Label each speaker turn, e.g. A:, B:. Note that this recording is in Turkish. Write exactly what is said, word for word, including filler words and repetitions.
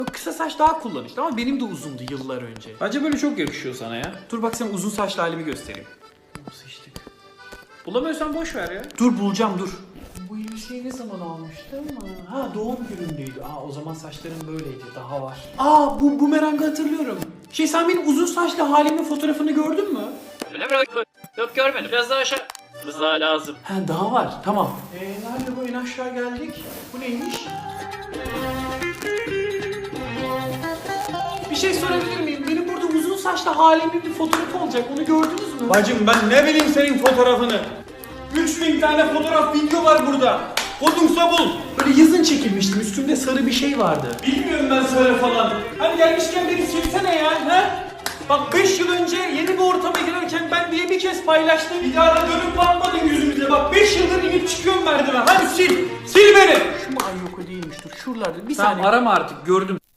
A: Kısa saç daha kullanışlı ama benim de uzundu yıllar önce.
B: Bence böyle çok yakışıyor sana ya.
A: Dur bak sana uzun saçlı halimi göstereyim.
B: Sıçtık. Bulamıyorsan boş ver ya.
A: Dur bulacağım dur. Bu elbiseyi ne zaman almıştım? Ha doğum günümdeydi. Aa o zaman saçlarım böyleydi. Daha var. Aa bu bumerangı hatırlıyorum. Şey sen benim uzun saçlı halimin fotoğrafını gördün mü?
B: Öyle mi? Yok görmedim. Biraz daha aşağı. Biraz daha lazım.
A: Ha daha var. Tamam. Eee nerede bu? En aşağı geldik. Bu neymiş? Bir şey sorabilir miyim? Benim burada uzun saçlı halimin bir fotoğrafı olacak. Onu gördünüz mü?
C: Bacım ben ne bileyim senin fotoğrafını. üç bin tane fotoğraf video var burada. Kodumsa bul.
A: Böyle yazın çekilmiştim. Üstümde sarı bir şey vardı.
C: Bilmiyorum ben söyle falan. Hani gelmişken beni silsene ya. He? Bak beş yıl önce yeni bir ortama girerken ben diye bir kez paylaştım. Bir daha da dönüp bakmadın yüzümüze. Bak beş yıldır inip çıkıyorum merdiven. Hadi sil. Sil beni.
A: Şu mu? Ay yok o değilmiş. Dur şuralarda. Bir
B: Tamam
A: saniye.
B: arama artık gördüm.